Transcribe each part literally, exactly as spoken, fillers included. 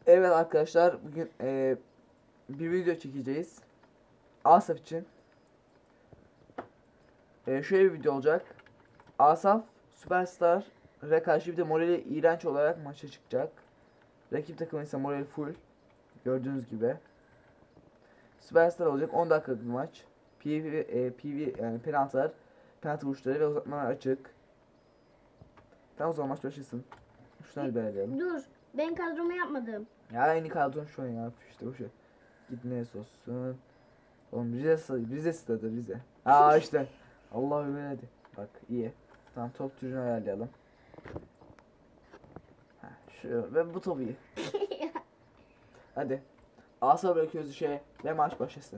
Evet arkadaşlar, bugün e, bir video çekeceğiz Asaf için. E, şöyle bir video olacak. Asaf Süperstar'a karşı bir de morali iğrenç olarak maça çıkacak. Rakip takım ise morali full. Gördüğünüz gibi. Süperstar olacak, on dakikalık bir maç. P V, e, P V yani penaltılar, penaltı vuruşları ve uzatmalar açık. Tamam, o zaman maç başlasın. Şunları belirleyelim. Dur, ben kadromu yapmadım. Ya aynı kadron şu an ya, işte o şey. Git neresi olsun. Oğlum Rize, Rize stadı Rize. Aa işte. Allah ömür hadi. Bak iyi. Tamam, top türünü ayarlayalım. Ha, şu ve bu topu iyi. Hadi. Asa bırakıyoruz şey ve maç başlasın.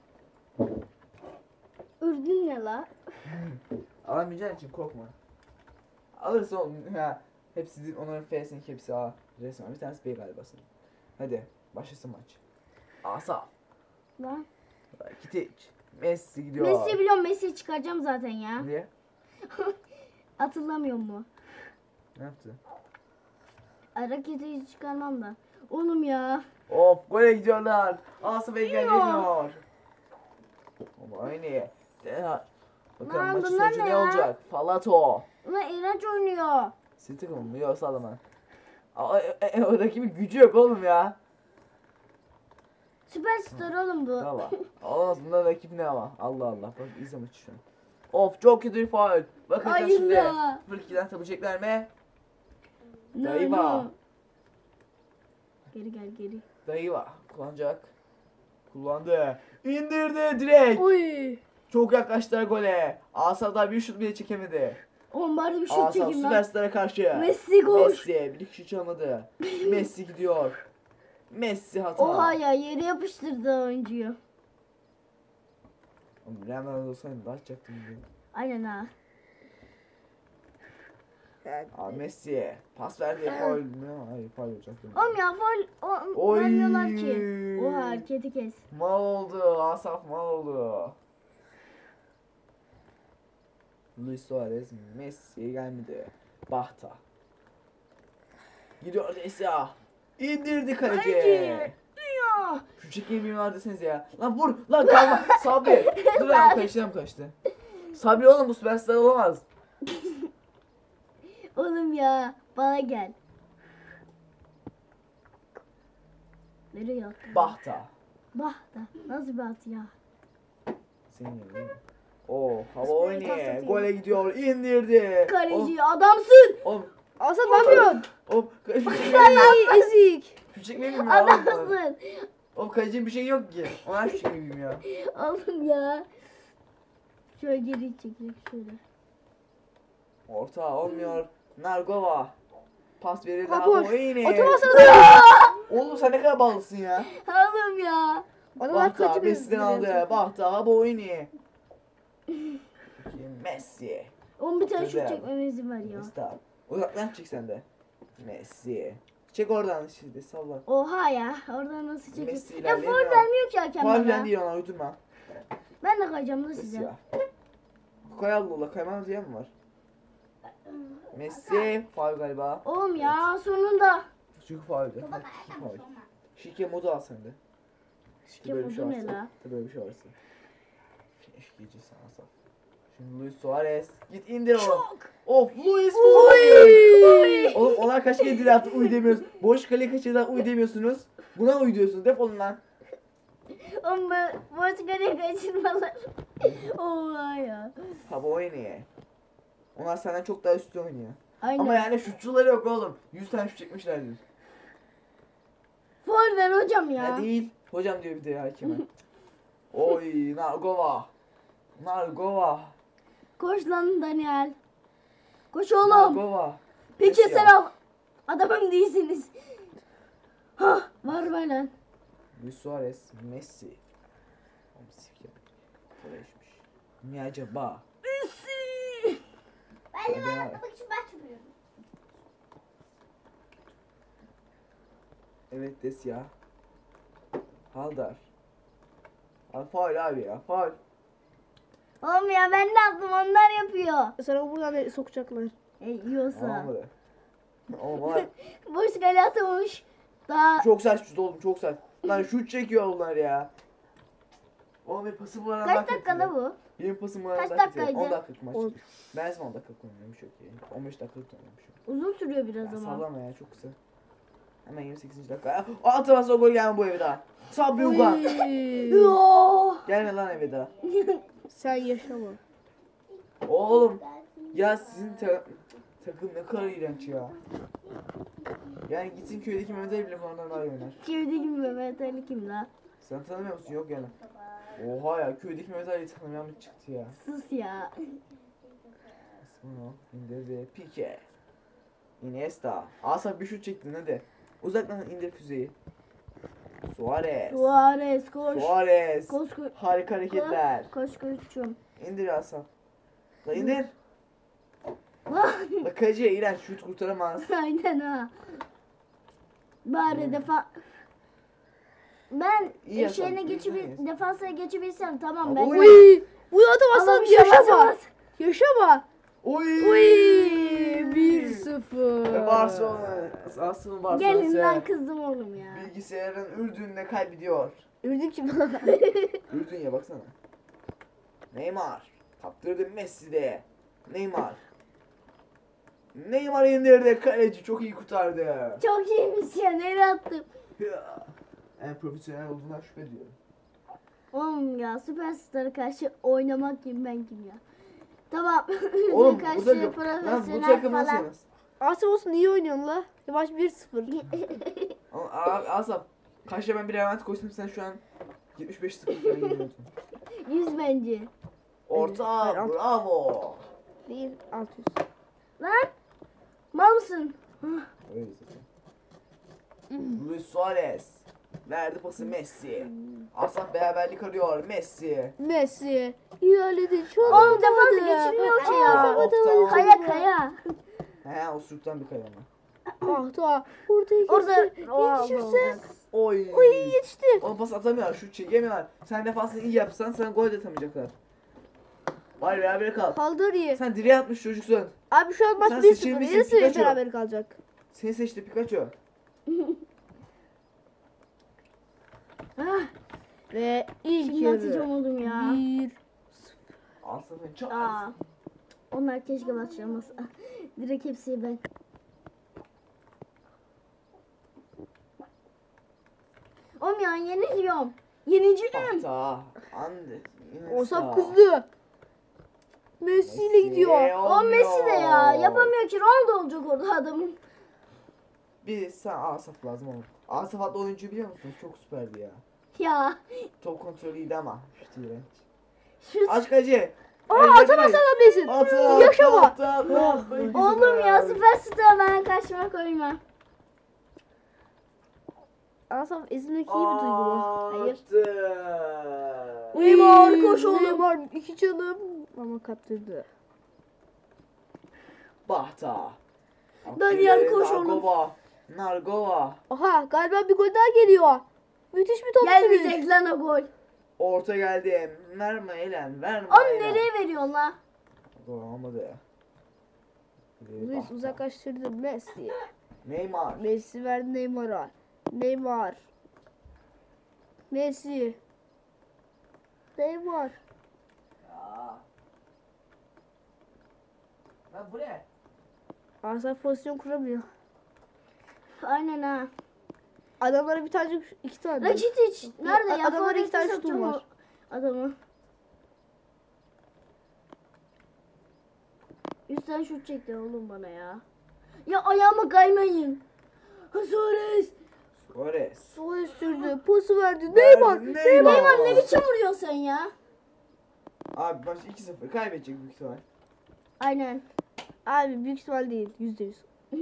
Ürdün ne la? Alamayacağın için korkma. Alırsın oğlum ya. Hepsi değil, onların F'sinin hepsi A. Resmen bir tanesi B galiba senin. Hadi başlasın maç. Asa. Lan. Kitic. Messi gidiyor. Messi biliyorum, Messi'yi çıkaracağım zaten ya. Niye? Hatırlamıyor mu? Ne yaptı? Hareketi çıkarmam da. Oğlum ya. Of, gole gidiyorlar. Asaf engelleniyor. Ama aynı. Bakalım Lan maçın bunlar sonucu ne ne ya? olacak? Falato. Ulan iğrenç oynuyor. Sizin takımın mı? Yok, sallama. Aa, e, e, o rakibin gücü yok oğlum ya. Süperstar oğlum bu. Valla. Olamaz, bundan rakip ne ama. Allah Allah. Bak izle maçı şu an. Of, çok kötü bir faul. Bakın Hayır şimdi. ya. sıfır ikiden tabilecekler mi? No, Dayıva. no. Geri gel geri. Dayıva. Kullanacak. Kullandı. İndirdi direkt. Oy. Çok yaklaştılar gole. Asaf daha bir şut bile çekemedi. Oğlum bari bir şut Asaf çekeyim lan. Süperstar'a karşı. Messi koş. Messi bir kişi çalmadı. Messi gidiyor. Messi hata. Oha ya, yere yapıştırdı oyuncuyu. Oğlum Ronaldo olsaydı daha atacaktım diye. Aynen ha. Aa, Messi pas verdi. Faul mü? Hayır, faul olacak. Oğlum ya faul o- Oy. vermiyorlar ki. Oha, hareketi kes. Mal oldu. Asaf mal oldu. Luis Suarez Messi'ye gelmedi. Bahta. Gidiyor Desya. İndirdi kaleci. Kaleci. Ya. Şu çekmeyi bilmiyorlar deseniz ya. Lan vur. Lan kalma. Sabri. Dur lan, kaçtı mı kaçtı. Sabri oğlum, bu süperstar olamaz. Oğlum ya, bana gel. Nereye attın? Bahta. Bah da. Nasıl bir at ya? Senin yerin değil mi? Oo, hava Süper oynuyor. tahta Gole gidiyor. İndirdi. Kaleci adamsın. Oğlum. Aslan ne yapıyorsun? Oğlum. Şu çekmeyi Ay ezik. Şu çekmeyi bilmiyor. Oğlum. Adamsın. Oğlum kalecinin bir şey yok ki. Ona şu çekmeyi bilmiyor. Oğlum ya. Şöyle geri çekecek şöyle. Orta olmuyor. Nargova. Pas verildi. Ha, Hava boş. oynuyor. Oturmasana da. Oğlum sen ne kadar balısın ya. Oğlum ya. Bahta Messi'den aldı. Bahta hava oynuyor. Messi. Oğlum bir tane şut Güzel. çekmeme izin ver ya. Messi. Uzaktan çek sen de. Messi. Çek oradan şimdi, salla. Oha ya. Oradan nasıl çekeyim? Messi Ya ilerleyemiyor. faul vermiyor ki hakem Faul bana. değil, ona uydurma. Ben de kayacağım da Messi size. ya. Kay Allah Allah, kaymağın diye mi var? Messi faul galiba. Oğlum ya sonunda. Çünkü fauldü. Hadi iki faul. Şike modu al sen de. Şike böyle bir şey modu ne varsa. la? Tabii böyle bir şey varsa. Şikeci sana saf. Şimdi Luis Suarez. Git indir onu. Çok. Of, Luis Oy. Suarez. Oğlum onlar kaç kere dil attı, uy demiyoruz. Boş kale kaçırdan uy demiyorsunuz. Buna uy diyorsunuz. Defolun lan. Oğlum ben boş kale kaçırmalar. Oha ya. Hava oynuyor. Onlar senden çok daha üstün oynuyor. Aynen. Ama yani şutçuları yok oğlum. yüz tane şut çekmişlerdir. Faul ver hocam ya. Ya değil. Hocam diyor bir de hakeme. Oy, Nargova. Nargova. Koş lan Daniel. Koş oğlum. Nargova. Peki Messi sen ya. al. Adamım değilsiniz. Hah, var be lan. Luis Suarez, Messi. Oğlum sifke. Koleşmiş. Ne acaba? Messi. Ben de bana atlamak için başvuruyorum. Evet des ya. Haldar. Abi faul abi ya, faul. Oğlum ya ben ne yaptım, onlar yapıyor. Sana buradan sokacaklar. E, yiyorsa. Olmadı. Oğlum bana Boş kale atılmış. Daha Çok sert şut oğlum, çok sert. Lan şut çekiyor onlar ya. Oğlum benim pasım var. kaç dakikada bu? Benim pasım var. Kaç on dakikaydı? dakikalık maç. On. Ben on dakikalık oynuyorum çok iyi. on beş dakikalık oynuyormuşum. Uzun sürüyor biraz Ya ama. sallama ya, çok kısa. Hemen yirmi sekizinci dakika. Aa, atamazsa o gol gelme bu eve daha. Sabri Ugan. Oy. Yoo. Gelme lan eve daha. Sen yaşama. Oğlum. Ya sizin ta- takım ne kadar iğrenç ya. Yani gitsin köydeki Mehmet Ali bile falan daha iyi oynar. Köydeki Mehmet Ali kim la? Sen tanımıyor musun? Yok yani. Oha ya, köydeki Mehmet Ali'yi tanımayan mı çıktı ya? Sus ya. İsmail indirdi. Pique. Iniesta. Asaf bir şut çektin hadi. Uzaktan indir füzeyi. Suarez. Suarez koş. Suarez. Koş koş. Harika hareketler. Koş koşum. İndir Asaf. La indir. La Kaji'ye iğrenç, şut kurtaramaz. Aynen ha. Bari defa ben İyi ya, şeyine sen geçip iyisin. defansa geçebilsem tamam ben. Oy. Uy. Bu atamazsan Ama bir şey yaşama. yapamaz. Yaşama. Oy. Uy. bir sıfır. Ve Barcelona. Asaf'ın Gelin lan Barcelona'sı. kızdım oğlum ya. Bilgisayarın Ürdün'le kaybediyor. Ürdün kim? Ürdün ya, baksana. Neymar. Kaptırdı Messi'de. Neymar. Neymar indirdi. Kaleci çok iyi kurtardı. Çok iyiymiş ya, nereye attım? Ya. En profesyonel olduğundan şüphe ediyorum. Oğlum ya süperstar'a karşı oynamak kim ben kim ya. Tamam. Oğlum karşı bu takım, lan bu profesyonel takım nasıl falan. yemez? Asım olsun iyi oynuyorsun la. Maç bir sıfır. Ama a- Asaf, karşıya ben bir Levent koysam sen şu an yetmiş beş sıfır falan yeniyordun. Yüz bence. Orta, Evet, ben- bravo. Bir altı yüz. Lan mal mısın? Öyle zaten. Luis Suarez. Verdi pası Messi. Asaf beraberlik arıyor Messi. Messi. İlerledi. Çok Oğlum defansı geçirmiyor ki ya. Of, tamam. Kaya kaya. He, o sürükten bir kayama. Ah tamam. Orada Orada yetişirse. Oy. Oy yetişti. Oğlum pas atamıyorlar, şut çekemiyorlar. Sen defansını iyi yapsan sana gol de atamayacaklar. Bari beraber kal. Kaldır iyi. Sen direğe atmış çocuksun. Abi şu an Sen maç bir sıfır. seçilmişsin, Yarısı Pikachu. beraber kalacak. Seni seçti Pikachu. Ah, Ve ilk şimdi atacağım yarı. oğlum ya. Bir. Asaf'ın çok Aa. Onlar keşke başlamasa. Direkt hepsi ben. Oğlum ya yeniliyorum. Yeneceğim. Hata. Ande. Osap kızdı. Messi ile gidiyor. O Messi de ya. Yapamıyor ki. Ronaldo olacak orada adamın. Bir sen Asaf lazım oğlum. Asaf adlı oyuncu biliyor musunuz? Çok süperdi ya. Ya. Top kontrolü iyiydi ama. Şut iğrenç. Şu Aşk acı. Aa atamazsan atabilirsin. Atı. Yaşama. Atı, atı, atı. oğlum ya süperstar ben karşıma koyma. Asaf ezilmek iyi bir duygu mu? Hayır. Attı. Neymar, koş oğlum. Neymar iki canım. Ama kaptırdı. Bahta. Daniel, koş oğlum. Nargova. Nargova. Aha galiba bir gol daha geliyor. Müthiş bir top sürüş. Gelmeyecek lan o gol. Orta geldi. Verme Elen. Verme Oğlum Elen. nereye veriyorsun la? Gol olmadı ya. İleri Luis Bahta. uzaklaştırdı Messi. Neymar. Messi verdi Neymar'a. Neymar. Messi. Neymar. Ya. Lan bu ne? Asaf pozisyon kuramıyor. Aynen ha. Adamlara bir tane iki tane. Rakitic nerede ya? Adamların iki tane Forvet'te şutu var. satacağım o Adamı. Üstten şut çekti oğlum bana ya. Ya ayağıma kaymayın. Ha, Suarez. Suarez. Suarez sürdü. Posu verdi. Neymar. Neymar. Neymar. Neymar ne biçim vuruyorsun sen ya? Abi maç iki sıfır kaybedecek büyük ihtimal. Aynen. Abi büyük ihtimal değil. Yüzde yüz.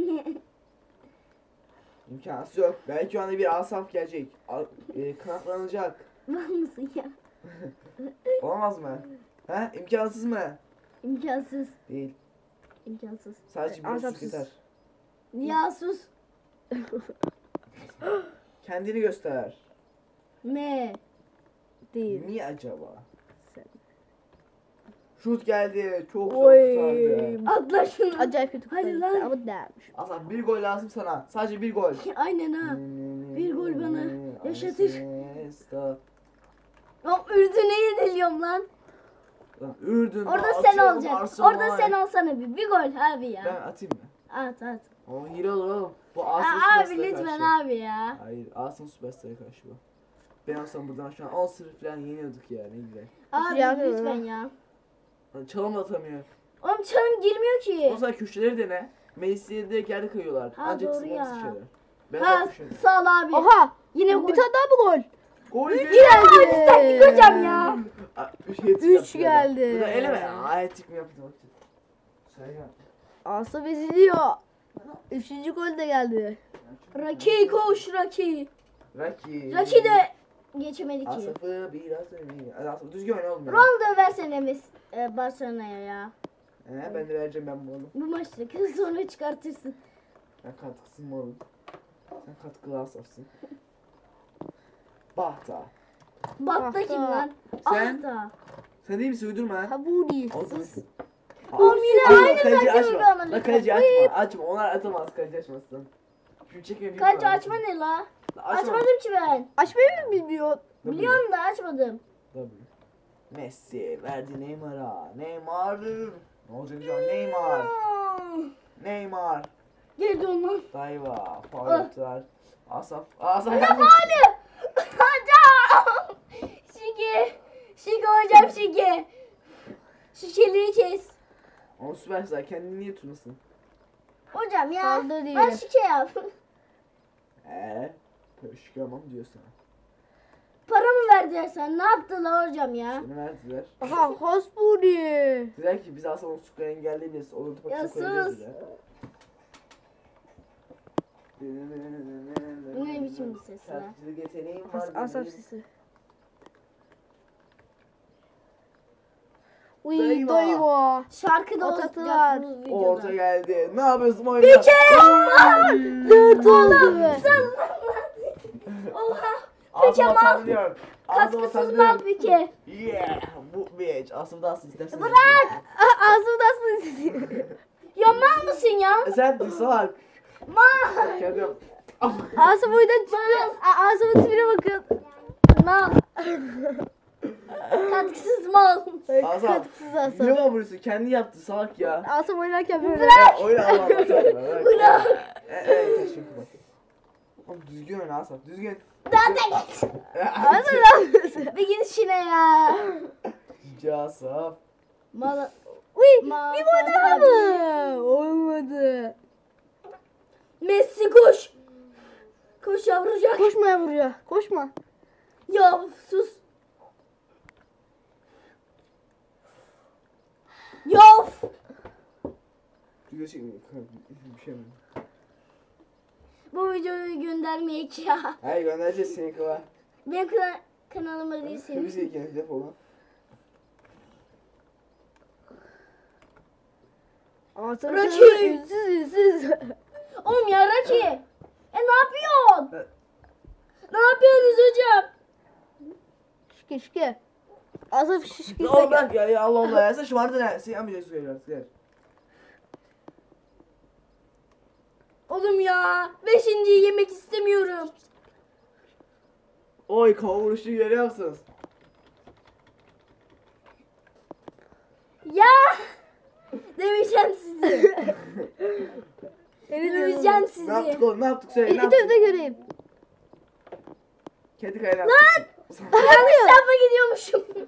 İmkansız yok. Belki o anda bir Asaf gelecek. Al- e, kanatlanacak. Var mısın ya? Olamaz mı? He? İmkansız mı? İmkansız. Değil. İmkansız. Sadece bir Asafsız. sus yeter. Ya sus. Kendini göster. Me. Değil. Mi acaba? Sen. Şut geldi. Çok zor Oy. kurtardı. Atla şunu. Acayip kötü Hadi kurtardı lan. ama değermiş. Asaf bir gol lazım sana. Sadece bir gol. Aynen ha. Bir gol bana yaşatır. Iniesta. Lan Ürdün'e yeniliyorum lan. Lan Ürdün. Orada lan sen atıyorum olacaksın. Arsenal. Orada sen olsana bir. Bir gol abi ya. Ben atayım mı? At at. O hile olur oğlum. Bu Aa, Arsenal abi Süperstar'a lütfen karşı. abi ya. Hayır, Arsenal Süperstar'a karşı bu. Ben olsam buradan şu an on sıfır falan yeniyorduk ya, ne güzel. Abi yapmıyor lütfen lan. ya. Lan çalım da atamıyor. Oğlum çalım girmiyor ki. O zaman köşeleri dene. Meclisleri direkt yerde kayıyorlar. Ha, Ancak doğru sıkıntı ya. şeyler. Ben Ha yapmışım. sağ ol abi. Oha. Yine gol. Bir tane daha mı gol? Gol geldi. Geldi. Taktik hocam ya. Aa, Üç, hat-trick Üç yaptı ya. geldi. Bu da eleme ya. Hat-trick mi yaptı bak. Söyle. Asaf eziliyor. Üçüncü gol de geldi. Raki koş Raki. Raki. Raki de geçemedi ki. Asaf'ı biraz önemli. Hadi Asaf düzgün oyna oğlum ya. Ronaldo versene Mes e, Barcelona'ya ya. He, ben de vereceğim ben bunu. Bu maçta kız sonra çıkartırsın. Ben katkısın mı oğlum? Sen katkılı Asaf'sın. Bahta. Batta Bahta. kim lan? Sen? Ahta. Sen değil misin uydurma? Kabuli. Olsun. Oğlum yine Aa, aynı kaleci taktiği açma. uygulama La lütfen. kaleci açma. Açma. Onlar atamaz kaleci açmasın. Şunu çekme. Kaleci açma ne la? Açmadım ki ben. Açmayı mı bilmiyor? Biliyorum da açmadım. Tabii. Messi verdi Neymar'a. Neymar. Ne olacak acaba? Neymar. Neymar. Geldi ondan. Dayva. Faul Ah. yaptılar. Asaf. Asaf. Ne faali? Hocam. Şike. Şike hocam şike. Şikeleri kes. O süperstar. Kendini niye tutmasın? Hocam ya. Kaldı diye. Ben şike yap. Eee? Pöşkamam diyor sana. Para mı verdiler sen? Ne yaptılar hocam ya? Seni verdiler. Aha Hasbuli. Dediler ki biz aslında o sukları engelleyebiliriz. Onu da Ya paketi koyacağız sus. dediler. Bu ne biçim bir ses ya? Şarkıcılık yeteneğim var. As Asaf benim. sesi. Uy Dayva. dayva. Şarkı da Atatürk. olacak bu O orta videoda. geldi. Ne yapıyorsun oyunda? Dört oldu. Sen Oha. Ağzıma Pikeman. sallıyor. Ağzıma Katkısız sallıyor. mal pike. Yeah. Bu bitch. Aslında asıl istersen. Bırak. Ağzımda aslında sesi. Ya mal mısın ya? E sen bir salak. Mal. Kendim. Asaf oyundan çıktı. A- Asaf'ın tipine bakın. Mal. Katkısız mal. Asaf. Katkısız Asaf. Niye bana vuruyorsun? Kendi yaptı salak ya. Asaf oynarken böyle. Ya oyna Allah Allah. Bırak. Bırak. Evet teşekkür bak. Oğlum düzgün oyna Asaf. Düzgün. Daha da git. Asaf ne yapıyorsun? Bir git işine ya. Cici Asaf. Mal. Uy Mal. bir gol daha mı? Olmadı. Messi koş. Koş yavrucak. Koşma yavruya. Koşma. Ya sus. Ya. Video çekmiyor. Bir şey mi? Bu videoyu göndermeyek ya. Hayır göndereceğiz seni kıva. Benim kana kanalıma değil Bir senin. şey iken defolu. Asaf Rocky. ünsüz ünsüz. Oğlum ya Raki. E ne yapıyorsun? Ne yapıyorsunuz hocam? Şike şike. Asaf şişke. Ne oldu bak ya, ya Allah Allah ya sen şımardın ha. Sen yapmayacaksın suya biraz gel. Oğlum ya. Beşinciyi yemek istemiyorum. Oy kavuruşu görüyor musunuz? Ya. Döveceğim sizi. Evet Döveceğim Ne sizi. yaptık oğlum ne yaptık söyle ne İte yaptık? de göreyim. Kedi kaynağı yaptık. Yanlış tarafa gidiyormuşum.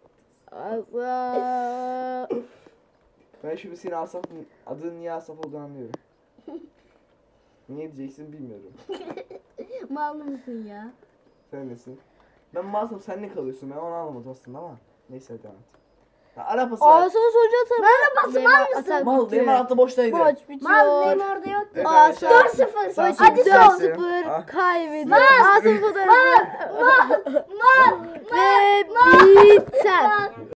Asaf. Ben şimdi senin Asaf'ın adının niye Asaf olduğunu anlıyorum. Niye diyeceksin bilmiyorum. Mal mısın ya? Sen nesin? Ben masum sen ne kalıyorsun ben onu anlamadım aslında ama. Neyse hadi devam et. Ya, arabası ver. Asaf sonucu atar. Merhaba, mal mısın? Mal benim hatta boştaydı. Maç bitiyor. Mal benim orada yoktu. Evet, Asaf. arkadaşlar. dört sıfır. Sen Hadi söyle, son. sen söyle. sıfır Ah. kaybediyor. Asaf fotoğrafı. Mal. Mal. Ve biter. Mal.